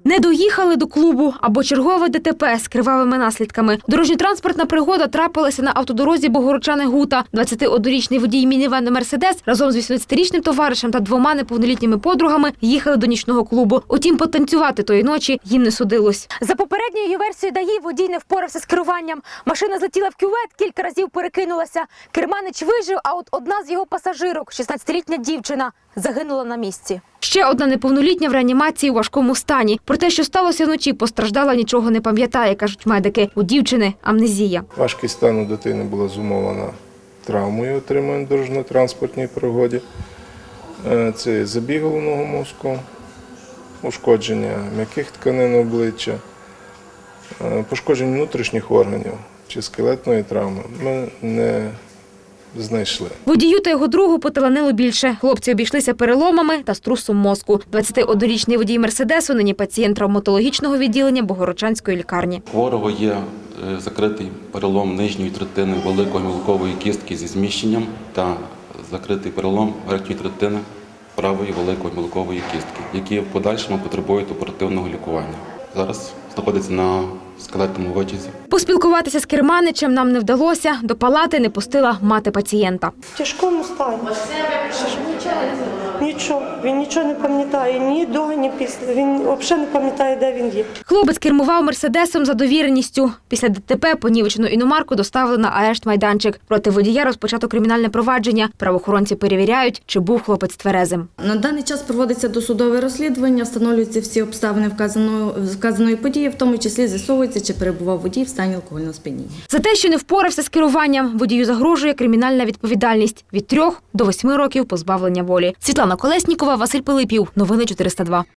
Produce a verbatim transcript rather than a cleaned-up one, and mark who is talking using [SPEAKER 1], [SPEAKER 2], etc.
[SPEAKER 1] Не доїхали до клубу або чергове ДТП з кривавими наслідками. Дорожньо-транспортна пригода трапилася на автодорозі Богородчани-Гута. двадцятиоднорічний водій мінівену «Мерседес» разом з вісімнадцятирічним товаришем та двома неповнолітніми подругами їхали до нічного клубу. Утім, потанцювати тої ночі їм не судилось. За попередньою версією ДАІ, водій не впорався з керуванням. Машина злетіла в кювет, кілька разів перекинулася. Керманич вижив, а от одна з його пасажирок, шістнадцятирічна дівчина, загинула на місці. Ще одна неповнолітня в реанімації у важкому стані. Про те, що сталося вночі, постраждала, нічого не пам'ятає, кажуть медики. У дівчини амнезія.
[SPEAKER 2] Важкість стану дитини була зумовлена травмою, отриманою в дорожньо-транспортній пригоді. Це забіг головного мозку, ушкодження м'яких тканин обличчя, пошкодження внутрішніх органів чи скелетної травми ми не знайшли.
[SPEAKER 1] Водію та його другу поталанило більше. Хлопці обійшлися переломами та струсом мозку. двадцятиоднорічний водій «Мерседесу» нині пацієнт травматологічного відділення Богородчанської лікарні.
[SPEAKER 3] Хворого є закритий перелом нижньої третини великої мілкової кістки зі зміщенням та закритий перелом верхньої третини правої великої мілкової кістки, які в подальшому потребують оперативного лікування. Зараз знаходиться на скелетному витязі.
[SPEAKER 1] Поспілкуватися з керманичем нам не вдалося. До палати не пустила мати пацієнта.
[SPEAKER 4] В тяжкому стані. Нічого. Він нічого не пам'ятає, ні до, ні після. Він взагалі не пам'ятає, де він є.
[SPEAKER 1] Хлопець кермував «Мерседесом» за довіреністю. Після ДТП понівечену іномарку доставили на арешт-майданчик. Проти водія розпочато кримінальне провадження. Правоохоронці перевіряють, чи був хлопець тверезим.
[SPEAKER 5] На даний час проводиться досудове розслідування, встановлюються всі обставини вказаної, вказаної події, в тому числі з'ясовується, чи перебував водій в стані алкогольного сп'яніння. За
[SPEAKER 1] те, що не впорався з керуванням, водію загрожує кримінальна відповідальність від трьох до восьми років позбавлення волі. Світлана Колеснікова, Василь Пилипів. Новини чотириста два.